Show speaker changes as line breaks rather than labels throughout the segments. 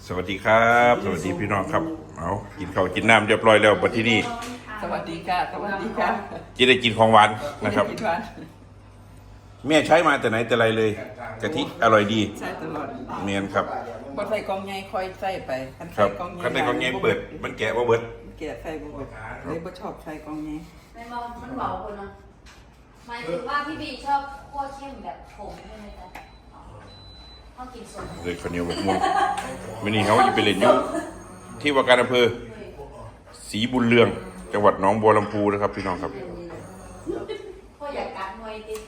สวัสดีครับสวัสดีพี่น้องครับเอากินข้าวกินน้ำเรียบร้อยแล้วบัดที่นี่
สวัสดีค่ะสวัสดีค่ะ
จะได้กินของหวานนะครับ
กินหวาน
แม่ใช้มาแต่ไหนแต่ไรเลยกะทิอร่อยดี
ใช่ตลอด
เนียนครับ
บดใส่กองใหญ่คอยใส่ไปคัน
ครั
ใส่
บ
กองใหญ่
ขั้นในกองเงี้ยเปิดมันแกะว่าเบิด
แกะใส่บ่เบิดเลยบ่ชอบใส่กองใหญ่
มันเบาคนเนาะหมายถึงว่าพี่บีชอบคั่วเข้มแบบผงใช่ไหมจ๊ะชอบกินสด
เลยข้าวเหนียวบกม่วงวันนี้เขาจะไปเล่นอยุที่ว่าการอำเภอศรีบุญเรืองจังหวัดหนองบัวลำพูนะครับพี่น้องครับ
พ่ออยากกัดมวยดิ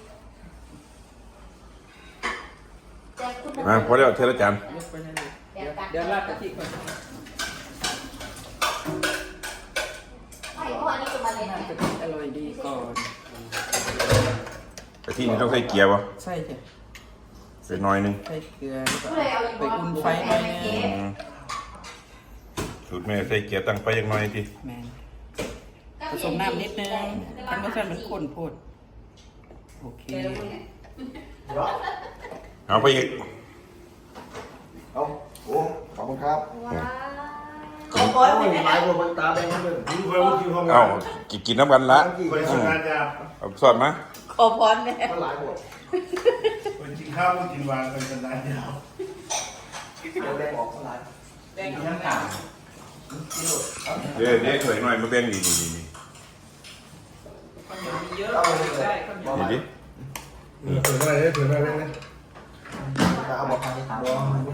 แต่คุณ
มาพอแล้วเทละจาน
ยกไปเลยเดี๋ยวราดกะทิก่อน
ไม่เพราะอันนี้คือมันเลย
น้ำกะทิอร่อยดีก่อน
กะทินี่ต้องใส่เกียร์วะ
ใส่จ้ะ
ใส่น้อยนึง
ใส่เกลือแล้วก็
ผู้ใดเอาอีก
ไปอุ่นไฟหน่อยนึง
สูตรแม่ใส่เกียร์ตั้งไฟอย่างน้อยที
แม่นผสมน้ำนิดนึงทำให้มันข้นโพดโอเค
เอาไปอีก
เอาโอ้ขอบคุณครับ
ว้าว
ขอบคุณหลายคนมันตาแดงทั้งเลย
เอากินน้ำกันละ
ไปสุดงานยา
เอาสอดมา
ขอพรแม่
มันหลายหมด
ไปกินข้าวกินวานเป็นสันดานยาว
แดงออกมันหลาย
แดงกับน้ำตาล
เดี๋ยวถอยหน่อยมาแบ่งนี่
ข้าวเหนียวมีเยอะได้ข้าวเหนียว
นี่ดิ
เผื่ออะไรเผื่ออะไรนะ
แต่เอาบอกทางที่ถามว่า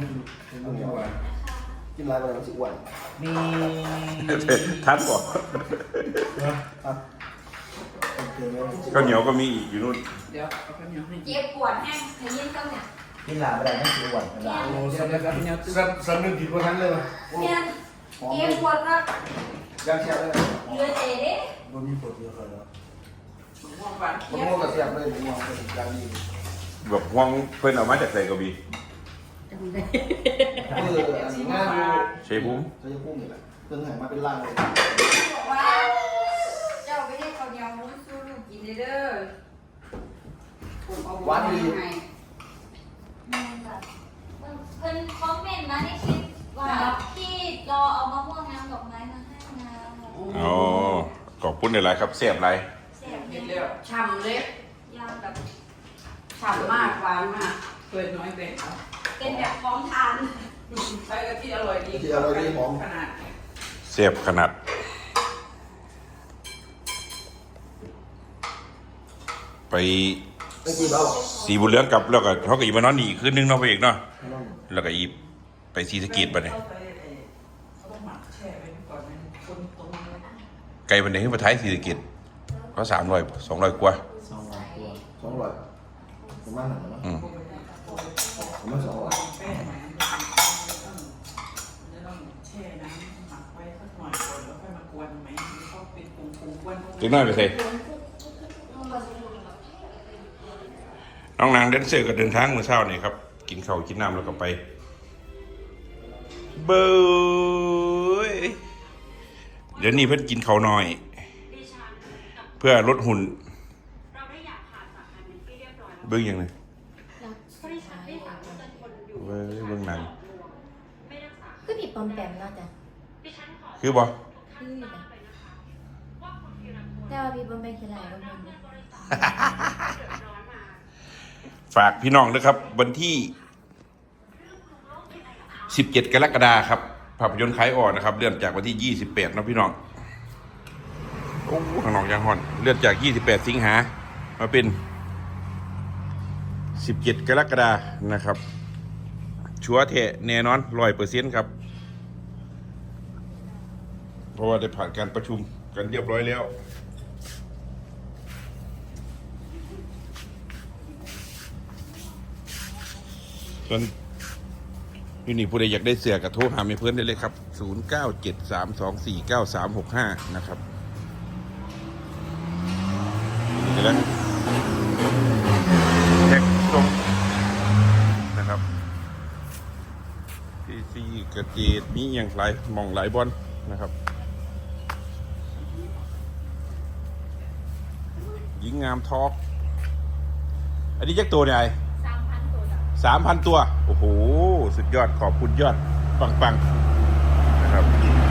กินอะไรไปแล้วสิอ้วน
มี
ทัดบอก
ครับโอเคไหม
ข้าวเหนียวก็มีอีกอยู่นู่น
เดี๋ยวเอาข้าวเหนียวให้
เจ็บปวดแห้งขยี้ต้องเนี่ย
กินหลายไปแล้วไม่สิอ้วนเป็นไร
โอ้สำนึกสำนึกผิดคนนั้นเลยวะ
เนี่ยเจ็บปวดก็
ยังเชียร์เลย
เลือดเจ๊ดิ
มันมีผลเยอะเลย
ม่วงหวาน
มันโง่กับเสียบเลยมันโง่เป็นยังดี
บอกห่วงเพิ่นเอามาจากใส่กระบี่
อันนี้ง่ายดู
เชฟบุ้ม
จะยังพุ่งอยู่แหละเพิ่งหายมาเป็นร่างเลย
บอกว่าเจ้าไปให้ข้าวเหนียวมุ้งสู้ลูกกินเด้อผมเอาบุญให้เพิ่นคอมเมนต์มาในคลิปว่าพี่รอเอามะม่วงน้ำดอกไม้มาให้นะ
อ๋อขอบคุณหลายๆครับเสียบไร
เสียบ
เห็
เย็
น
น
แล้ว
ฉ่ำเลยยาวแบบ
ฉ่ำมากหวานมากเปิดน้อยแบ่งเอา
เป็นแบบพร้อมทาน
ใช้กะทิอร่อยดีขนาด
เสียบขนาดไป
ไม่กินแล้ว
สีบุญเรืองกลับแล้วก็เขาก็อีกมานอนนี่อีกคืนนึงเนาะไปอีกเนาะแล้วก็อีกไปศรีสะเกษไปเนี่ย
เขาต้องหมักแช่ไว้ก่อนนะคนตรงนี้
ไกลไปไหนขึ้นมาท้ายศรีสะเกษก็200กว่า
200ประมาณนั้นนะ
อืม
ประมาณ200
แป้งไหมจะต้องแช่น้ำหมักไว้สักหน่อยก่อนแล้วค่อยมากวนไหมเขาเป็นผงกวน
เล็กน้อยไปใส่น้องนางเดนเซอร์ก็เดินทางเมื่อเช้านี่ครับกินข้าวกินน้ำแล้วก็ไปเบยเดี๋ยวนี้เพิ่นกินข้าวน้อย เพื่อลดหุ่น
เราได้อยากผ่าตัดกันเป็นที่เรียบร้อยแล้ว
เบิ่งยังไง
บริษัทได้สามารถคนอยู่
เว้ยเบิ่งหนัง
ไม่รักษา
ก็ผิดปอมแปมแล้วจ้ะ
ดิฉันขอ
คือบ่
คือ
ทราบเลยนะคะว่าคุณธีรพล
แต่ว่าพี่ปอมแปมคืออะไรก็ไม่รู้
บริษัทเดือดร้อนมา
ฝากพี่น้องนะครับ วันที่ 17 กรกฎาคมครับภาพยนตร์ขายออกนะครับ เลื่อนจากวันที่ 28นะพี่น้องโอ้ข้างนอกยังฮ้อนเลื่อนจาก 28 สิงหามาเป็น 17 กรกฎาคมนะครับ ชัวร์แท้แน่นอน 100% ครับ เพราะว่าได้ผ่านการประชุมกันเรียบร้อยแล้ว ส่วนยูนี่ผู้ใดอยากได้เสือกับโทรหาเมเพื่อนได้เลยครับ 0973249365 นะครับนี่แหละแท็กตรงนะครับที่ซีกระเจดมีอย่างหลายมองหลายบอลนะครับหญิงงามทอล์กอันนี้จักตัวไหน
3,000 ตัวจ้ะ
3,000 ตัว โอ้โห สุดยอด ขอบคุณยอดปังๆนะครับ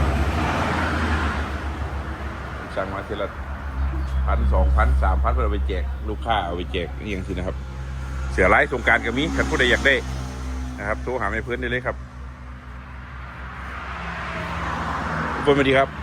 สั่งมาทีละ1,000 2,000 3,000เพื่อเอาไปแจกลูกค้าเอาไปแจกนี่อย่างสินะครับเสือร้ายสงกรานต์ก็มีใครผู้ใดอยากได้นะครับโทรหาแม่เพื่อนได้เลยครับทุกคนสวัสดีครับ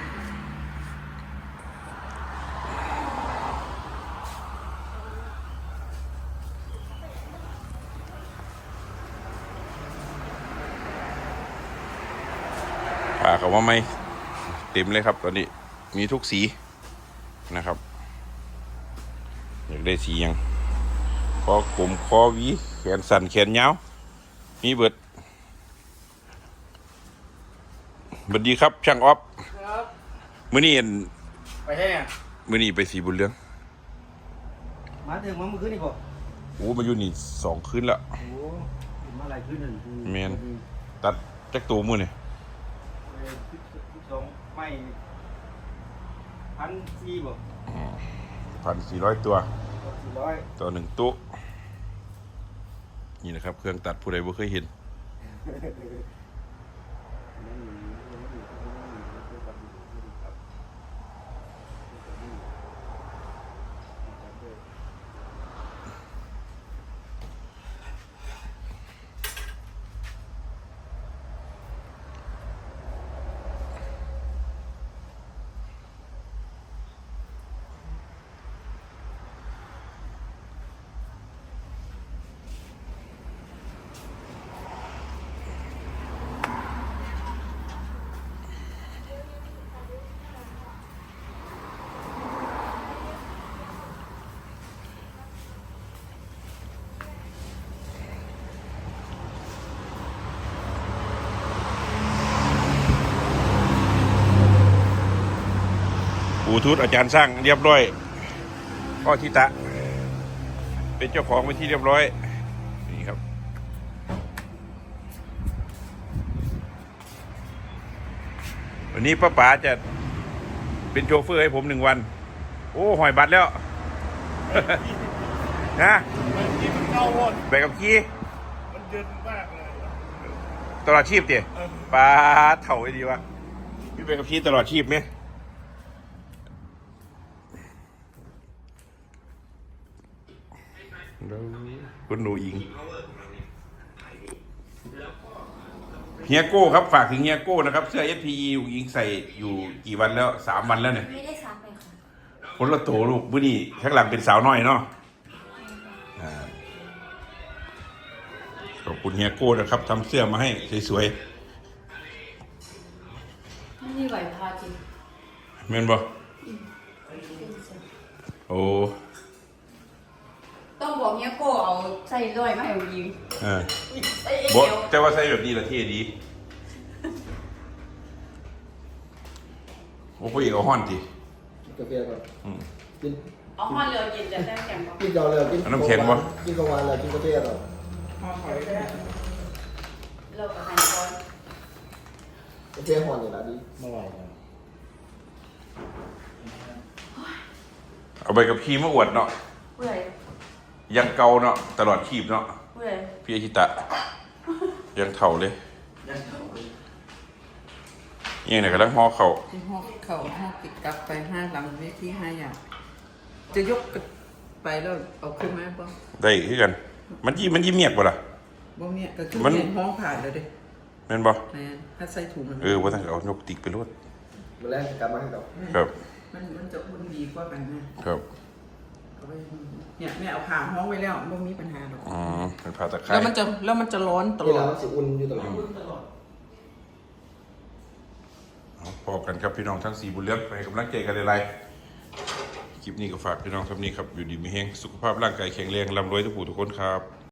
ป่าเขาว่าไม่เต็มเลยครับตอนนี้มีทุกสีนะครับอยากได้สียังคอกลมคอหวีแขนสั้นแขนยาวมีเบิดสวัสดีครับช่างออฟ
ครับ
มื้อนี้
ไปแห้ง
มื้อนี้ไปสีบุญเรือง
มาถึงมาเมื่อคืนนี่ก่อน
โอ้มาอยู่นี่2 คืนแล้ว
โอ้มาหลายคืนหนึ่ง
แม่น ตัดจักตัวมื้อนี่
12ไม่1,400บ่
1,400 ตัว
400
ต่อ1ตู้นี่นะครับเครื่องตัดผู้ใดบ่เคยเห็นบลูทูธอาจารย์สร้างเรียบร้อยพ่อทิตะเป็นเจ้าของไปที่เรียบร้อยนี่ครับวันนี้ป้าป๋าจะเป็นโชเฟอร์ให้ผม1 วัน โอ้หอยบัตรแล้ว นะ
ที่มันเข้าหมด
ไปกับขี้
มันเย็นมากเลย
ตลอดชีพเตี๋ยปลาเถ่าไอ้ดีวะพี่ไปกับขี้ตลอดชีพไหมคุณหนูอิงเฮียโก้ครับฝากถึงเฮียโก้นะครับเสื้อ SPE อิงใส่อยู่กี่วันแล้ว3 วันแล้วเนี่ย
ไม่ได้ซักเลยค่ะ
คนละโตลูกมื้อนี้ข้างหลังเป็นสาวน้อยเนาะขอบคุณเฮียโก้นะครับทำเสื้อมาให้สวย
ไม่มีไหวพาจริง
ๆแม่นบ่โอ้
ต้องบอกเนี้ยโก้เอาใส่ร้อยมาให้ยิง ใส่เอ
บ่
ว
แต่ว่าใส่แบบนี้ละเท่ดีโอ้พ่อเอกเอาฮ้อนติ
กาแฟก่อน
อืม
กิน
เอาห้อนเรือกินจะได้แข็งบ่
กินเก่าเลยกิน
เอาน้ำแข็งวะ
กินกลางวันเลยกินกาแฟก่อน
ห้อนหอยเราก็หั่นก้อน
กาแฟห่อนอยู่ละดีมาไหวกัน
เอาไปกับขี้มาอวดเนาะ
เปื่อย
ยังเก่าเนาะตลอดชีพเนาะ
เปื่อย
พี่อาชิตะยังเถ่าเลยยังไหนกำลังห่อเข่า
ที่ห้องเข่าห้องติดกลับไป5 ลำเวที5 อย่างจะยกไปแล้วเอาขึ้นมาบ่
ได้คือกัน มันยิ้มเมียกบ่ล่ะ
บ่เนี่ยก็คือ
มัน
เห็นห้องผ่านแล้วเด้
แม่นบ่
แม่นถ้าใส่ถุงมัน
ว่าต้องเอานกติกไปรวด
มาแรกกลับมาให้เรา
ครับ
มันจะอุ่นดีกว่ากันนะครับ เอาไว้เนี่ยแม่เอาผ่าห้องไว้แล้วบ่มีปัญหาหรอก
อ๋อเป็นผ้าตะไคร้
แล้วมันจะร้อนต
เว
ล
ลา
อด
มันสิอุ่นอยู่ตลอด
พอกันครับพี่น้องทั้ง4 บุญเลือกไปกำลังใจกันหลายๆคลิปนี้ก็ฝากพี่น้องเท่านี้ครับอยู่ดีมีแฮงสุขภาพร่างกายแข็งแรงร่ำรวยทุกผู้ทุกคนครับ